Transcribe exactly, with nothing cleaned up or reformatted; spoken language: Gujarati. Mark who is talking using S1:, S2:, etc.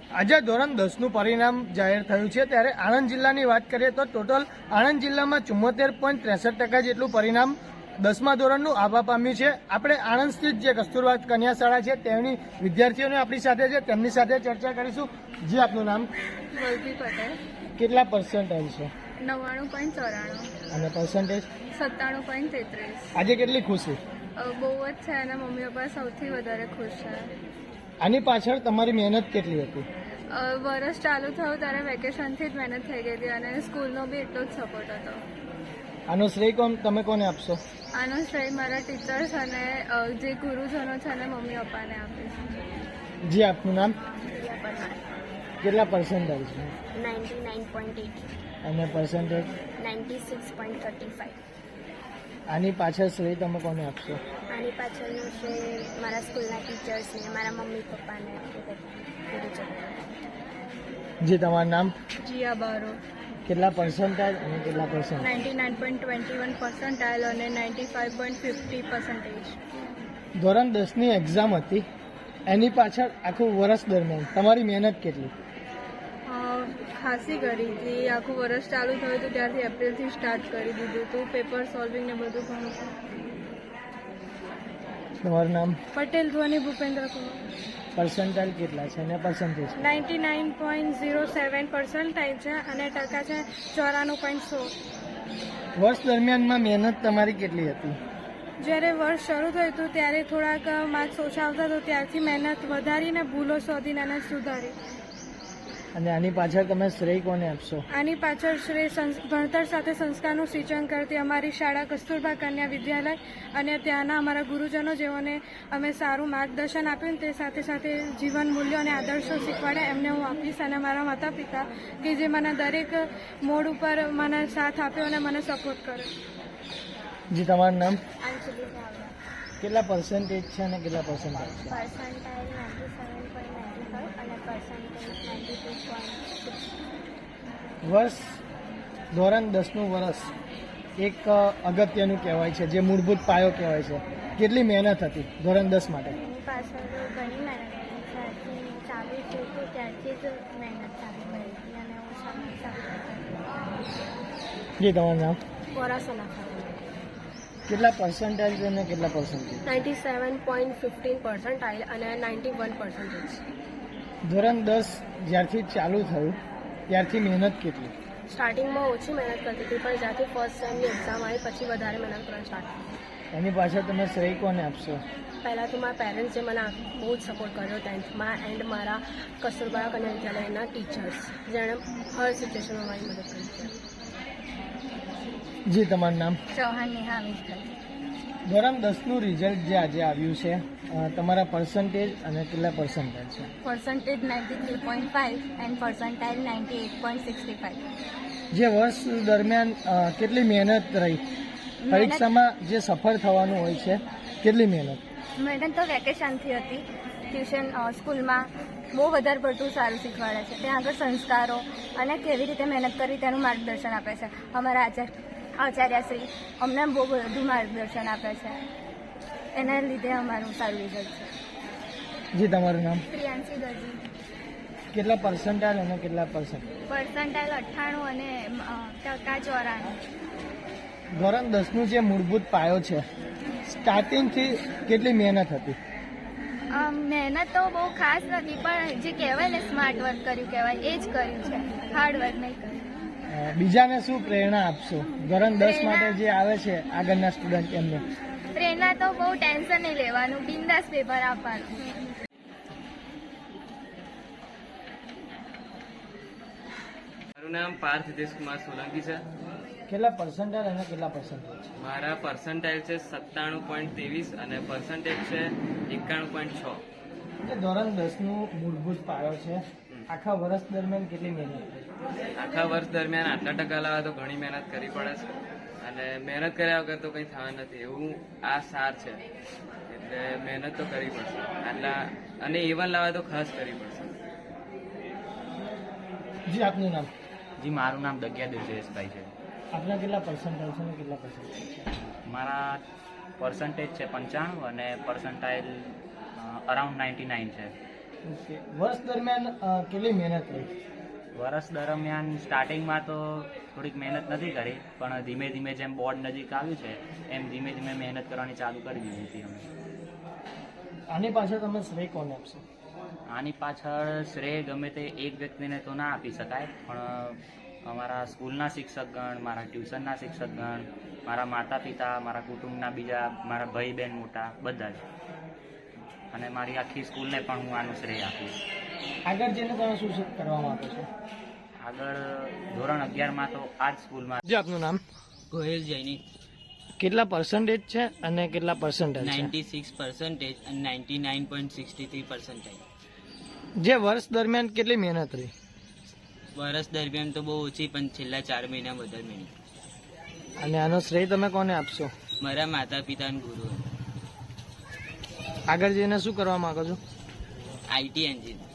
S1: આજે ધોરણ દસનું પરિણામ જાહેર થયું છે ત્યારે આણંદ જિલ્લાની વાત કરીએ તો ટોટલ આણંદ જિલ્લામાં ચુમ્મોતેર પોઈન્ટ ત્રેસઠ ટકા જેટલું પરિણામ દસમા ધોરણનું આવવા પામ્યું છે। આપણે આણંદ સ્થિત જે કસ્તુરબા કન્યા શાળા છે તેની વિદ્યાર્થીઓને આપણી સાથે છે, તેમની સાથે ચર્ચા કરીશું। જી, આપનું નામ?
S2: વલ્લભી પટેલ।
S1: કેટલા પર્સન્ટેજ છે?
S2: નવ્વાણું પોઈન્ટ ચોરાણું
S1: અને પર્સન્ટેજ?
S2: સત્તાણું પોઈન્ટ તેત્રીસ।
S1: આજે કેટલી ખુશી?
S2: બહુ જ છે અને મમ્મી પપ્પા સૌથી વધારે ખુશ છે।
S1: આની પાછળ તમારી મહેનત કેટલી હતી?
S2: અ, વરસ ચાલુ થયું ત્યારે વેકેશનથી જ મહેનત થઈ ગઈ હતી અને સ્કૂલનો બી એટલો જ સપોર્ટ હતો।
S1: આનો શ્રેય કોણ તમે કોને આપશો?
S2: આનો શ્રેય મારા ટીચર્સ અને અ, જે ગુરુજનો છે અને મમ્મી પપ્પાને આપીશ।
S1: જી, આપનું નામ? કેટલા પર્સન્ટેજ છે?
S2: નાઇન્ટી નાઇન પોઈન્ટ એટ
S1: અને percentage?
S2: Ninety six point thirty five.
S1: આની પાછળ શ્રેય તમે કોને આપશો?
S2: આની પાછળનું શ્રેય મારા સ્કૂલના ટીચર્સને, મારા મમ્મી પપ્પાને ગુરુજનો।
S1: જી, તમારું નામ?
S2: જીયા બારો।
S1: કેટલા પર્સન્ટેજ અને કેટલા percent?
S2: Ninety nine point twenty one percentile અને ninety five point fifty percentage.
S1: ધોરણ દસની એક્ઝામ હતી, એની પાછળ આખું વર્ષ દરમિયાન તમારી મહેનત કેટલી?
S2: ખાસી કરી હતી। આખું વર્ષ ચાલુ થયું હતું ત્યારથી એપ્રિલથી સ્ટાર્ટ કરી દીધું હતું, પેપર સોલ્વિંગ ને બધું ઘણું।
S1: તમારું નામ?
S2: પટેલ ધ્વની ભૂપેન્દ્ર કુમાર।
S1: પર્સન્ટાઇલ કેટલા છે અને percentage?
S2: Ninety nine point zero seven percentile છે અને ટકા છે ચોરાણું પોઈન્ટ સો।
S1: વર્ષ દરમિયાનમાં મહેનત તમારી કેટલી હતી?
S2: જ્યારે વર્ષ શરૂ થયું હતું ત્યારે થોડાક માર્ક્સ ઓછા આવતા તો ત્યારથી મહેનત વધારીને ભૂલો શોધીને એને સુધારી।
S1: અને આની પાછળ તમે શ્રેય કોને આપશો?
S2: આની પાછળ શ્રેય સંસ- ભણતર સાથે સંસ્કારનું સિંચન કરતી અમારી શાળા કસ્તુરબા કન્યા વિદ્યાલય અને ત્યાંના અમારા ગુરુજનો જેઓને અમે સારું માર્ગદર્શન આપ્યું ને તે સાથે સાથે જીવન મૂલ્યો અને આદર્શો શીખવાડ્યા એમને હું આપીશ। અને મારા માતા પિતા કે જે મને દરેક મોડ ઉપર મને સાથ આપ્યો અને મને સપોર્ટ કર્યો।
S1: જી, તમારું નામ?
S2: અંજલિ ચાવડા।
S1: કેટલા પર્સન્ટેજ છે અને કેટલા પર્સન્ટેજ છે?
S2: Percentile ninety seven point ninety five અને percentage ninety two point six.
S1: વર્ષ ધોરણ દસનું વર્ષ એક અગત્યનું કહેવાય છે, જે મૂળભૂત પાયો કહેવાય છે। કેટલી મહેનત હતી ધોરણ દસ માટે?
S2: એની પાછળ ઘણી મહેનત હતી। જ્યારથી ચાલુ થયું હતું ત્યારથી જ મહેનત ચાલુ કરી હતી અને હું સારું ચાલુ
S1: જી, તમારું નામ?
S2: પોરાસોના।
S1: કેટલા પર્સન્ટેજ અને કેટલા percentage?
S2: Ninety seven point fifteen percentile અને નાઇન્ટી વન પર્સન્ટેજ।
S1: ધોરણ દસ જ્યારથી ચાલુ થયું ત્યારથી મહેનત કેટલી?
S2: સ્ટાર્ટિંગમાં ઓછી મહેનત કરતી હતી પણ જ્યાંથી ફર્સ્ટ સેમની એક્ઝામ આવી પછી વધારે મહેનત કરવાનું સ્ટાર્ટ કરી।
S1: એની પાછળ તમે શ્રેય કોને આપશો?
S2: પહેલાં તો મારા પેરેન્ટ્સે મને બહુ જ સપોર્ટ કર્યો ટેન્થમાં એન્ડ મારા કસ્તુરબા કન્યા વિદ્યાલયના ટીચર્સ જેણે હર સિચ્યુએશનમાં મારી મદદ કરી છે।
S1: જી, તમારું નામ?
S2: ચૌહાણ નેહા અમિતભાઈ।
S1: ધોરણ દસનું રિઝલ્ટ જે આજે આવ્યું છે, અ, તમારા પર્સન્ટેજ અને કેટલા પર્સન્ટેજ છે?
S2: Percentage ninety three point five and percentile ninety eight point sixty five.
S1: જે વર્ષ દરમિયાન અ, કેટલી મહેનત રહી? પરીક્ષામાં જે સફળ થવાનું હોય છે, કેટલી મહેનત?
S2: મહેનત તો વેકેશનથી હતી। ટ્યુશન સ્કૂલમાં બહુ વધારે પડતું સારું શીખવાડે છે। ત્યાં આગળ સંસ્કારો અને કેવી રીતે મહેનત કરી તેનું માર્ગદર્શન આપે છે। અમારા આચાર્ય આચાર્યશ્રી અમને બહુ બધું માર્ગદર્શન આપે છે, એના લીધે અમારું સારું રિઝલ્ટ છે।
S1: જી, તમારું નામ?
S2: પ્રિયાંશી દરજી।
S1: કેટલા પર્સન્ટેજ અને કેટલા પર્સન્ટ?
S2: પર્સન્ટાઇલ અઠ્ઠાણું અને ટકા ચોરાણું।
S1: ધોરણ દસનું જે મૂળભૂત પાયો છે, સ્ટાર્ટિંગથી કેટલી મહેનત હતી?
S2: મહેનત તો બહુ ખાસ નથી પણ જે કહેવાય ને સ્માર્ટ વર્ક કર્યું કહેવાય એ જ કર્યું છે, હાર્ડ વર્ક નહીં કર્યું।
S1: અ, બીજાને શું પ્રેરણા આપશો ધોરણ દસ માટે જે આવે છે આગળના સ્ટુડન્ટ એમને?
S2: પ્રેરણા તો બહુ ટેન્શન નહીં લેવાનું, બિંદાસ પેપર આપવાનું।
S3: મારું નામ પાર્થ હિતેશ કુમાર સોલંકી છે।
S1: કેટલા પર્સન્ટેજ અને કેટલા પર્સન્ટેજ?
S3: મારા પર્સન્ટાઇલ છે સત્તાણું પોઈન્ટ ત્રેવીસ અને પર્સન્ટેજ છે એકાણું પોઈન્ટ છ।
S1: એ ધોરણ દસનું મૂળભૂત પાયો છે, આખા વર્ષ દરમિયાન કેટલી મહેનત થઈ?
S3: આખા વર્ષ દરમિયાન આટલા ટકા લાવવા તો ઘણી મહેનત કરવી પડે છે અને મહેનત કર્યા વગર તો કંઈ થવા નથી, એવું આ સાર છે। એટલે મહેનત તો કરવી પડશે આટલા, અને એવન લાવવા તો ખાસ કરવી પડશે।
S1: જી, આપનું નામ?
S4: જી, મારું નામ દગિયા દેવજયેશભાઈ છે।
S1: આપના કેટલા પર્સન્ટેજ છે અને કેટલા પર્સન્ટેજ છે?
S4: મારા પર્સન્ટેજ છે પંચાણું અને પર્સન્ટાઇલ અરાઉન્ડ નાઇન્ટી નાઇન છે।
S1: ઓકે વર્ષ દરમિયાન અ, કેટલી મહેનત રહી?
S4: વર્ષ દરમિયાન સ્ટાર્ટિંગમાં તો થોડીક મહેનત નથી કરી, પણ ધીમે ધીમે જેમ બોર્ડ નજીક આવ્યું છે એમ ધીમે ધીમે મહેનત કરવાની ચાલુ કરી દીધી હતી અમે.
S1: આની પાછળ તમે શ્રેય કોને આપશો?
S4: આની પાછળ શ્રેય ગમે તે એક વ્યક્તિને તો ના આપી શકાય, પણ અમારા સ્કૂલના શિક્ષકગણ, મારા ટ્યુશનના શિક્ષકગણ, મારા માતા પિતા, મારા કુટુંબના બીજા મારા ભાઈ બહેન મોટા બધા જ, અને મારી આખી સ્કૂલને પણ હું આનું શ્રેય આપીશ.
S1: આગળ જઈને તમે શું શું કરવા માંગો છો?
S4: આગળ ધોરણ અગિયારમાં તો આ જ સ્કૂલમાં.
S1: જે આપનું નામ?
S5: ગોહિલ જૈની.
S1: કેટલા પર્સન્ટેજ છે અને કેટલા પર્સન્ટેજ છે?
S5: નાઇન્ટી સિક્સ પર્સન્ટેજ અને ninety nine point sixty three percentage.
S1: જે વર્ષ દરમિયાન કેટલી મહેનત રહી?
S5: વર્ષ દરમિયાન તો બહુ ઓછી, પણ છેલ્લા ચાર મહિના વધારે મહિના.
S1: અને આનો શ્રેય તમે કોને આપશો?
S5: મારા માતા પિતા અને ગુરુ.
S1: આગળ જઈને શું કરવા માંગો છો?
S5: IT engine.